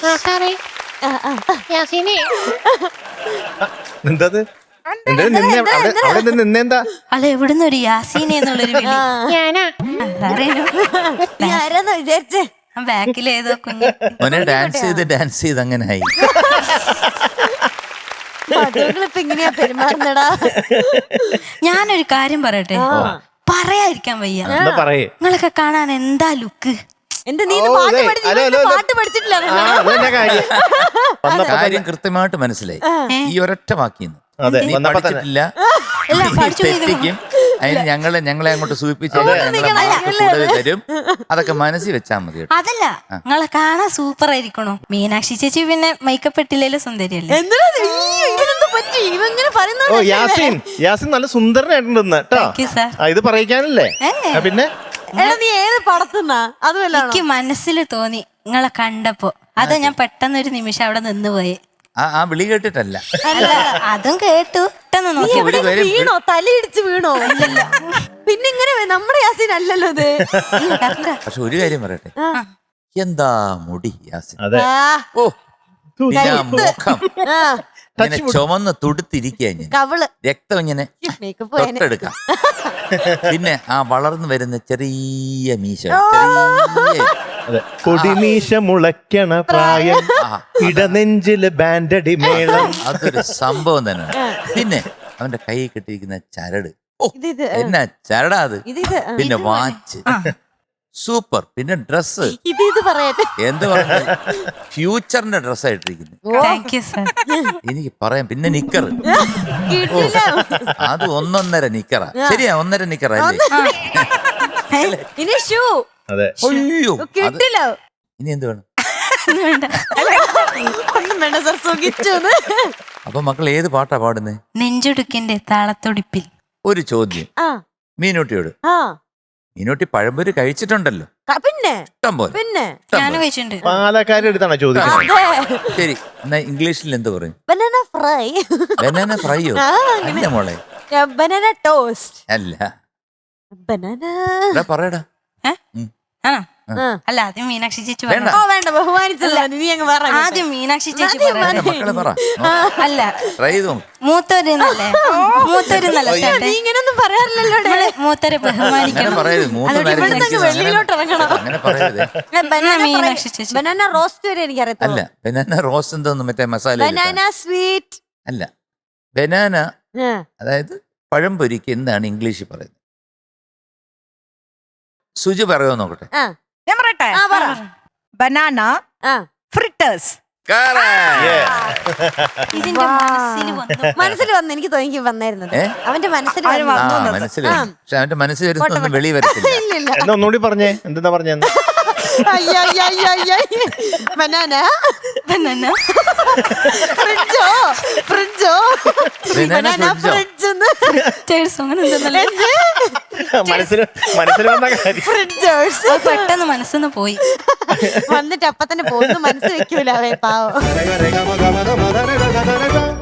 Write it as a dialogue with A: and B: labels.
A: സാറേ യാസീനെ
B: എന്തത് അവിടെ നിന്ന് നിന്നെന്താ?
C: അല്ല എവിടുന്ന് ഒരു യാസീനെ എന്നുള്ളൊരു വിളി.
A: ഞാനാ
C: അറിയണോ
D: ആരാന്ന് വിചാരിച്ചേ?
C: ബാക്കിലേതോ കുഞ്ഞു
E: മോനെ ഡാൻസ് ചെയ്ത് അങ്ങനെ ആയി.
D: മധുകളിപ്പോ എങ്ങനെയാ പെരുമാറുന്നടാ?
C: ഞാനൊരു കാര്യം പറയട്ടെ, പറയാതിരിക്കാൻ വയ്യ.
B: എന്താ പറയേ?
C: നിങ്ങളൊക്കെ കാണാൻ എന്താ ലുക്ക്.
D: എന്റെ നീ പാട്ട് പഠിച്ചിട്ടില്ല.
E: കാര്യം കൃത്യമായിട്ട് മനസ്സിലായി. ഈ ഒരൊറ്റ വാക്കിന്ന് നീ പഠിച്ചിട്ടില്ല, തെറ്റിക്കും. അതിന് ഞങ്ങളെ അങ്ങോട്ട് സൂചിപ്പിച്ച് കൂടുതൽ തരും. അതൊക്കെ മനസ്സിൽ വെച്ചാൽ മതി.
C: അതല്ല, നിങ്ങളെ കാണാൻ സൂപ്പർ ആയിരിക്കണോ. മീനാക്ഷി ചേച്ചി പിന്നെ മേക്കപ്പ് ഇട്ടില്ലേലും സുന്ദരിയല്ലേ.
B: ഓ യാസീൻ നല്ല സുന്ദരനായിട്ടുണ്ട് കേട്ടോ. ഇത് പറയിക്കാനല്ലേ? പിന്നെ
D: നീ ഏത് പടത്തുന്നാ? അതുമല്ല
C: എനിക്ക് മനസ്സിൽ തോന്നി നിങ്ങളെ കണ്ടപ്പോ. അതാ ഞാൻ പെട്ടെന്നൊരു നിമിഷം അവിടെ നിന്ന് പോയി.
E: ആ വിളി കേട്ടിട്ടല്ല,
C: അതും കേട്ടു. പെട്ടെന്ന് നോക്കി
D: വീണോ? തലയിടിച്ച് വീണോ? പിന്നെ ഇങ്ങനെ നമ്മുടെ യാസീൻ അല്ലല്ലോ ഇത്.
E: പക്ഷെ ഒരു കാര്യം പറയട്ടെ, എന്താ മുടി യാസീൻ.
B: അതെ.
E: ഓ പിന്നെ ആ മുഖം ഇങ്ങനെ ചുമന്ന് തുടുത്തിരിക്കുക,
D: കവള്
E: രക്തം ഇങ്ങനെ തൊട്ടെടുക്കാം. പിന്നെ ആ വളർന്നു വരുന്ന ചെറിയ മീശ,
B: കൊടിമീശ മുളയ്ക്കണ പ്രായം, ഇടനെഞ്ചില് ബാൻഡടി മേളം.
E: അതൊരു സംഭവം തന്നെയാണ്. പിന്നെ അവന്റെ കൈ കെട്ടിയിരിക്കുന്ന ചരട്, എന്നാ ചരടാ അത്. പിന്നെ വാച്ച് സൂപ്പർ. പിന്നെ ഡ്രസ് എന്ത് പറഞ്ഞ ഫ്യൂച്ചറിന്റെ ഡ്രസ് ആയിട്ടിരിക്കുന്നു. എനിക്ക് പറയാം. പിന്നെ നിക്കർ, അത് 1.5 നിക്കറാ. ശരിയാ, 1.5 നിക്കറാ അല്ലേ?
B: അതെ.
E: അയ്യോ, ഇനി എന്ത് വേണം? അപ്പൊ മക്കൾ ഏത് പാട്ടാ പാടുന്നേ?
C: നെഞ്ചുടുക്കിന്റെ താളത്തൊടിപ്പിൽ.
E: ഒരു ചോദ്യം മീനൂട്ടിയോട്. മീനൂട്ടി പഴംപൊരി കഴിച്ചിട്ടുണ്ടല്ലോ?
D: പിന്നെ
E: ഇഷ്ടം പോലെ.
D: പിന്നെ
C: ഞാനും കഴിച്ചിട്ടുണ്ട്.
B: പാലക്കാരുടെ അടുത്താണ് ചോദിക്കുന്നത്.
E: ശരി, എന്നാ ഇംഗ്ലീഷിൽ എന്ത് പറയും?
D: Banana fry.
E: ബനാന ഫ്രൈയോ? അല്ല മോളെ,
D: ബനാന ടോസ്റ്റ്.
E: അല്ല.
D: ബനാന
E: പറയടാ.
C: ആണോ? അല്ല, ആദ്യം മീനാക്ഷി ചേച്ചി
E: വേണ്ട.
D: വേണ്ട, ബഹുമാനിച്ചല്ല. നീ അങ്ങ് പറ.
C: ആദ്യം മീനാക്ഷി ചേച്ചി
E: മക്കളെ പറ.
C: അല്ല,
E: ട്രൈ ചെയ്തോ.
C: മൂത്തോരെന്നല്ലേ? മൂത്തോരെന്നല്ല ചേട്ടൻ.
D: നീ ഇങ്ങനൊന്നും പറയാറില്ലല്ലോ.
C: മൂത്തോരെ ബഹുമാനിക്കണം.
D: വെളിയിലോട്ട് ഇറങ്ങണം.
E: അങ്ങനെ പറയരുത്.
C: മീനാക്ഷി ചേച്ചി.
D: ബനാന റോസ്റ്റ് വരെ എനിക്കറിയത്തില്ല.
E: അല്ല, ബനാന റോസ്റ്റ് എന്തോന്നും മറ്റേ മസാല
D: ബനാന സ്വീറ്റ്
E: അല്ല. ബനാന അതായത് പഴംപൊരിക്ക് എന്താണ് ഇംഗ്ലീഷിൽ പറയുന്നത്? സുജി പറയോ നോക്കട്ടെ.
F: ഞാൻ പറയട്ടെ. Banana fritters.
C: ഇതിന്റെ
D: മനസ്സിൽ വന്ന് എനിക്ക് തോന്നി വന്നായിരുന്നത്. അവന്റെ മനസ്സിൽ
E: മനസ്സിലായി. പക്ഷെ അവന്റെ മനസ്സിൽ വരുന്നൊന്നും വെളി വരത്തില്ല.
B: എന്നാ ഒന്നുകൂടി പറഞ്ഞേ, എന്താ പറഞ്ഞെന്ന്?
D: ബനാന
C: ബനാന
D: ഫ്രിഡ്ജോ ഫ്രിഡ്ജോ ബനാന ഫ്രിഡ്ജ്
B: മനസ്സിൽ വന്ന കാര്യം.
D: ഫ്രിഡ്ജേഴ്സ്
C: പെട്ടെന്ന് മനസ്സിന്ന് പോയി.
D: വന്നിട്ട് അപ്പൊ തന്നെ പോകുന്നു. മനസ്സ് വെക്കൂല പാവം.